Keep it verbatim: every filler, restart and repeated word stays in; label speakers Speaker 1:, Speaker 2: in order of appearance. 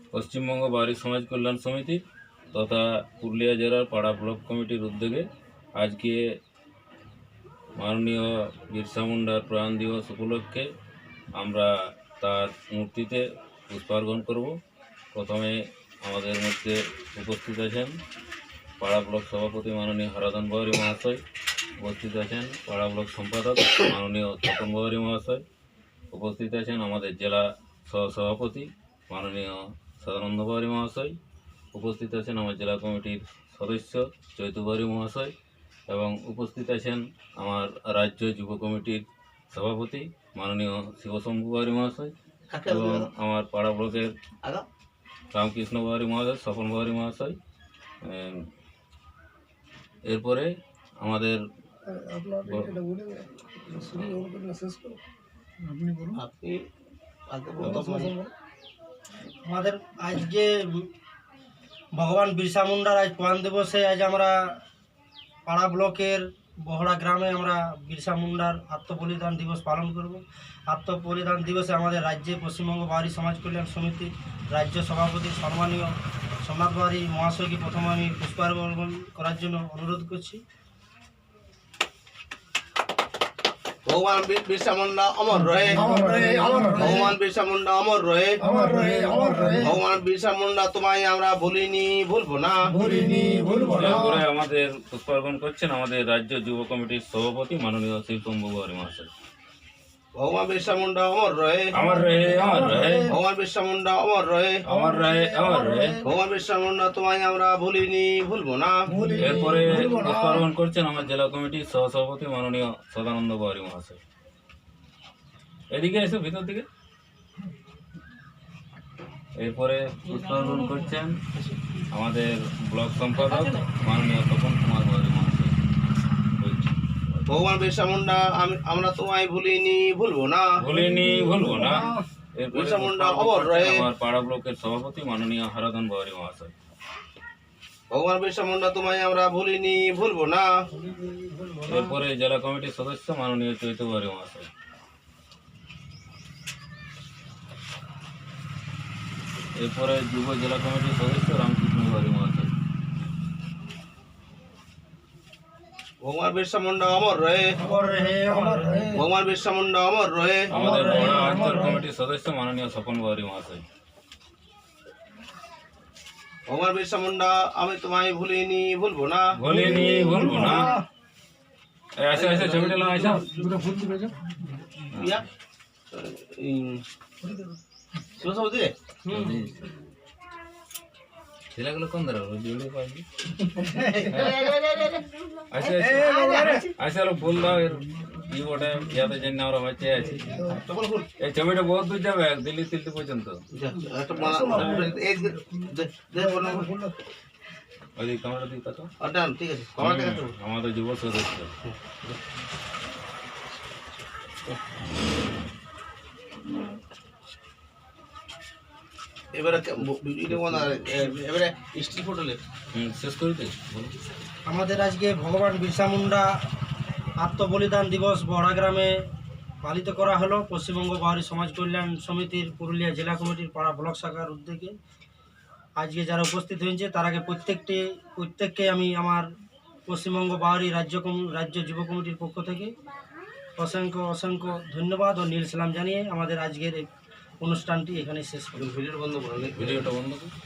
Speaker 1: পশ্চিমবঙ্গ বাউরি সমাজ কল্যাণ সমিতি তথা পুরুলিয়া জেলার পাড়া ব্লক কমিটির উদ্যোগে আজকে মাননীয় বিরসা মুন্ডার প্রয়াণ দিবস উপলক্ষে আমরা তার মূর্তিতে পুষ্পার্ঘন করব। প্রথমে আমাদের মধ্যে উপস্থিত আছেন পাড়া ব্লক সভাপতি মাননীয় হারাধন বাউরি মহাশয়, উপস্থিত আছেন পাড়া ব্লক সম্পাদক মাননীয় তপন বাউরি মহাশয়, উপস্থিত আছেন আমাদের জেলা সহসভাপতি মাননীয় সদানন্দ বাউরি মহাশয়, উপস্থিত আছেন আমার জেলা কমিটির সদস্য চৈতু বাউরি মহাশয় এবং উপস্থিত আছেন আমার রাজ্য যুব কমিটির সভাপতি মাননীয় শিবশম্ভু বাউরি মহাশয় এবং আমার পাড়া ব্লকের রামকৃষ্ণ বাউরি মহাশয়, স্বপন বাউরি মহাশয়। এরপরে আমাদের
Speaker 2: আমাদের আজ যে ভগবান বিরসা মুন্ডার আজ প্রয়াণ দিবসে আজ আমরা পাড়া ব্লকের বহড়া গ্রামে আমরা বিরসা মুন্ডার আত্মবলিদান দিবস পালন করব। আত্মবলিদান দিবসে আমাদের রাজ্যে পশ্চিমবঙ্গ বাউরি সমাজ কল্যাণ সমিতির রাজ্য সভাপতি সম্মানীয় সোমনাথ বাউরি মহাশয়কে প্রথমে আমি পুষ্পার্ঘন করার জন্য অনুরোধ করছি।
Speaker 3: ভগবান বিরসা মুন্ডা অমর রহে, ভগবান বিরসা মুন্ডা অমর রহে, ভগবান বিরসা মুন্ডা তোমায় আমরা ভুলিনি ভুলবো না।
Speaker 1: এরপরে আমাদের পুষ্পার্ঘন করছেন আমাদের রাজ্য যুব কমিটির সভাপতি মাননীয় শিবশম্ভু বাউরি মহাশয়।
Speaker 3: ভগবান বিরসা মুন্ডা অমর রহে,
Speaker 1: অমর রহে, অমর রহে,
Speaker 3: ভগবান বিরসা মুন্ডা অমর রহে,
Speaker 1: অমর রহে, অমর রহে।
Speaker 3: ভগবান বিরসা মুন্ডা তোমায় আমরা ভুলিনি ভুলবো না।
Speaker 1: এরপরে পুষ্পার্ঘন করছেন আমার জেলা কমিটির সহসভাপতি মাননীয় সদানন্দ বাউরি মহাশয়। এদিকে এসে ভিতর দিকে। এরপরে পুষ্পার্ঘন করছেন আমাদের ব্লক সম্পাদক মাননীয় তপন কুমার বাউরি মহাশয়।
Speaker 3: ভগবান বিরসা মুন্ডা আমরা তোমায় ভুলিনি ভুলবো না,
Speaker 1: ভুলিনি ভুলবো না। এরপরে
Speaker 3: বিরসা মুন্ডা অমর রহে,
Speaker 1: আমার পাড়া ব্লকের সভাপতি মাননীয় হারাধন বাউরি মহাশয়।
Speaker 3: ভগবান বিরসা মুন্ডা তোমায় আমরা ভুলিনি ভুলবো না।
Speaker 1: এরপরে জেলা কমিটির সদস্য মাননীয় চৈতু বাউরি মহাশয়। এরপরে যুব জেলা কমিটির সদস্য রামকৃষ্ণ বাউরি মহাশয়।
Speaker 3: ভগবান বিরসা মুন্ডা অমর রহে, ভগবান বিরসা মুন্ডা অমর রহে,
Speaker 1: আমাদের বড় অঞ্চল কমিটির সদস্য মাননীয় স্বপন বাউরি মহাশয়।
Speaker 3: ভগবান বিরসা মুন্ডা আমি তোমায় ভুলিনি ভুলবো না,
Speaker 1: ভুলিনি ভুলবো না। এই আসে আসে ছবিটা লাগাই আসো।
Speaker 3: ইয়া এই শিবসভাপতি রে
Speaker 1: ছেলেগুলো কোন ধরে ভিডিও পাইনি। আসে আসে আলো ফুল দাও এর ই ওটা ইয়াতে জন্য আমরা বাঁচে আছি।
Speaker 3: তখন ফুল
Speaker 1: এই ছবিটা বহুত দূর যাবে দিল্লি তিল্লি পর্যন্ত।
Speaker 3: একটা মালা এই দে দে বলো
Speaker 1: ওই ক্যামেরা দিকে তাকাও।
Speaker 3: আটা ঠিক আছে কমার দেখা তো
Speaker 1: আমাদের যুব সদস্য
Speaker 3: এবারে ভিডিও বানা এবারে স্টিল ফটো লে
Speaker 1: শেষ করে দে।
Speaker 2: আমাদের আজকে ভগবান বিরসা মুন্ডা আত্মবলিদান দিবস বহড়া গ্রামে পালিত করা হলো পশ্চিমবঙ্গ বাউরি সমাজ কল্যাণ সমিতির পুরুলিয়া জেলা কমিটির পাড়া ব্লক শাখার উদ্যোগে। আজকে যারা উপস্থিত হয়েছে তার আগে প্রত্যেকটি প্রত্যেককে আমি আমার পশ্চিমবঙ্গ বাউরি রাজ্য রাজ্য যুব কমিটির পক্ষ থেকে অসংখ্য অসংখ্য ধন্যবাদ ও নীল সালাম জানিয়ে আমাদের আজকের এই অনুষ্ঠানটি এখানে শেষ করি।
Speaker 3: ভিডিওটা বন্ধ করো
Speaker 1: ভিডিওটা বন্ধ কর।